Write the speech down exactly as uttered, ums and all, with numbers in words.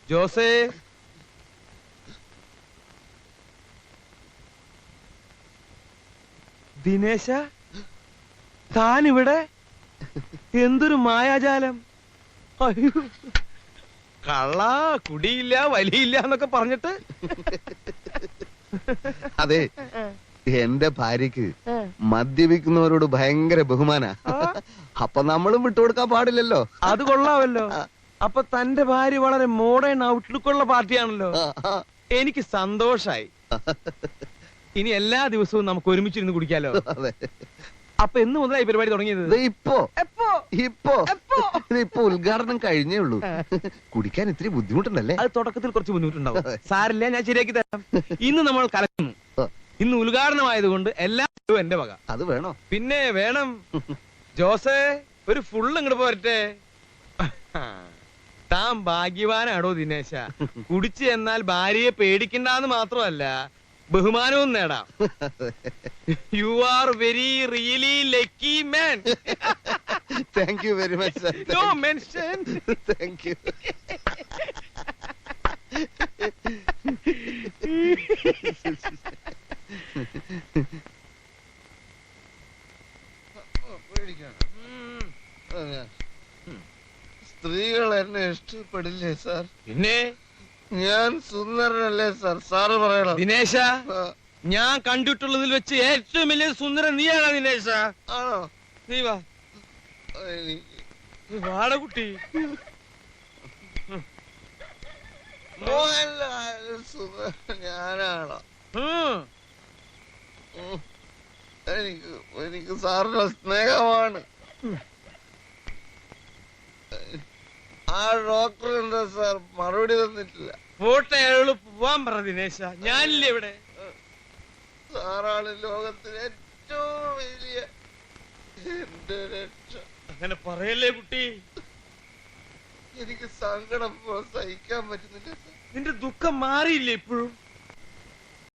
ജോസേ, ദിനേശ, താനിവിടെ? എന്തൊരു മായാജാലം! അയ്യോ, കള്ള, കുടിയില്ല, വലിയില്ല എന്നൊക്കെ പറഞ്ഞിട്ട്. അതെ, എന്റെ ഭാര്യക്ക് മദ്യപിക്കുന്നവരോട് ഭയങ്കര ബഹുമാന. അപ്പൊ നമ്മളും വിട്ടുകൊടുക്കാൻ പാടില്ലല്ലോ. അത് കൊള്ളാമല്ലോ. അപ്പൊ തന്റെ ഭാര്യ വളരെ മോഡേൺ ഔട്ട്ലുക്കുള്ള പാർട്ടിയാണല്ലോ. എനിക്ക് സന്തോഷായി. ഇനി എല്ലാ ദിവസവും നമുക്ക് ഒരുമിച്ചിരുന്ന് കുടിക്കാലോ. അപ്പൊ എന്ന് മുതലായി പരിപാടി തുടങ്ങിയത്? ഇപ്പോ ഇപ്പോ ഇപ്പൊ ഉദ്ഘാടനം കഴിഞ്ഞേ ഉള്ളൂ. കുടിക്കാൻ ഇത്തിരി ബുദ്ധിമുട്ടുണ്ടല്ലേ? അത് തുടക്കത്തിൽ കുറച്ച് ബുദ്ധിമുട്ടുണ്ടാവും. സാരില്ല, ഞാൻ ശരിയാക്കി തരാം. ഇന്ന് നമ്മൾ കലക്കുന്നു. ഇന്ന് ഉദ്ഘാടനമായതുകൊണ്ട് എല്ലാം എന്റെ വക. അത് വേണോ? പിന്നെ വേണം. ജോസേ, ഒരു ഫുള്ള് ഇങ്ങോട്ട് പോരട്ടെ. താൻ ഭാഗ്യവാനാടോ ദിനേശ. കുടിച്ച് എന്നാൽ ഭാര്യയെ പേടിക്കണ്ടെന്ന് മാത്രമല്ല, ബഹുമാനവും നേടാം. You are very really lucky man. Thank you very much. No mention. Thank you. സ്ത്രീകൾ എന്നെ ഇഷ്ടപ്പെടില്ലേ സാർ? പിന്നെ ഞാൻ സുന്ദരനല്ലേ സാർ? സാറ് പറയണം. ദിനേശ, ഞാൻ കണ്ടിട്ടുള്ളതിൽ വെച്ച് ഏറ്റവും വലിയ സുന്ദരൻ നീയാണോ ദിനേശ? ആണോ? നീ വാ, വാട കുട്ടി. ഞാനാണോ? എനിക്ക് എനിക്ക് സാറിന്റെ സ്നേഹമാണ്. ആ ഡോക്ടർ എന്താ സാർ മറുപടി തന്നിട്ടില്ല? പോട്ടെ, അയാളോട് പോവാൻ പറ ദിനേശ. ഞാനില്ലേ ഇവിടെ? സാറാണ് ലോകത്തിലെ ഏറ്റവും വലിയ എന്റെ രക്ഷ. അങ്ങനെ പറയല്ലേ കുട്ടി. എനിക്ക് സങ്കടം സഹിക്കാൻ പറ്റുന്നില്ല. നിന്റെ ദുഃഖം മാറിയില്ലേ ഇപ്പോഴും?